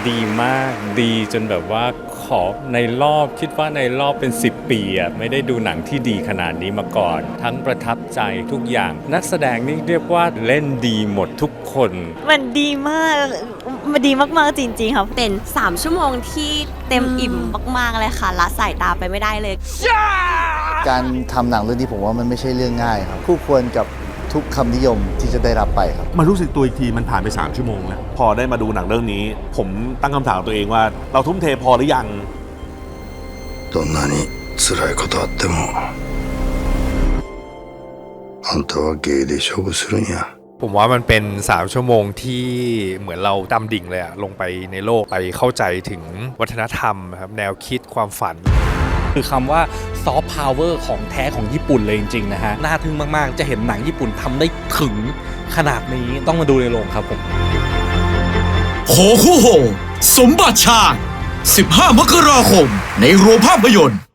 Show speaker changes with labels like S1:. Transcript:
S1: ดีมากดีจนแบบว่าขอในรอบคิดว่าในรอบเป็น10 ปีอ่ะไม่ได้ดูหนังที่ดีขนาดนี้มาก่อน ทั้งประทับใจทุกอย่างนักแสดงนี่เรียกว่าเล่นดีหมดทุกคน
S2: มันดีมากมันดีมากๆจริงๆค่ะ
S3: เป็น3 ชั่วโมงที่เต็มอิ่มมากๆเลยค่ะละสายตาไปไม่ได้เลย
S4: การทำหนังเรื่องนี้ผมว่ามันไม่ใช่เรื่องง่ายครับคู่ควรกับทุกคำนิยมที่จะได้รับไปครับ
S5: มารู้สึกตัวอีกทีมันผ่านไป3 ชั่วโมงแล้วพอได้มาดูหนังเรื่องนี้ ผมตั้งคำถามตัวเองว่าเราทุ่มเทพอหรือยัง
S6: どんなに辛いことあってもあんたは芸で勝負するんや
S7: ผมว่ามันเป็น3 ชั่วโมงที่เหมือนเราดำดิ่งเลยอะลงไปในโลกไปเข้าใจถึงวัฒนธรรมครับแนวคิดความฝัน
S8: คือคำว่าซอฟต์พาวเวอร์ของแท้ของญี่ปุ่นเลยจริงๆนะฮะน่าทึ่งมากๆจะเห็นหนังญี่ปุ่นทำได้ถึงขนาดนี้ต้องมาดูในโรงครับผม
S9: โหคู่โหสมบัติชาญ15 มกราคมในโรงภาพยนตร์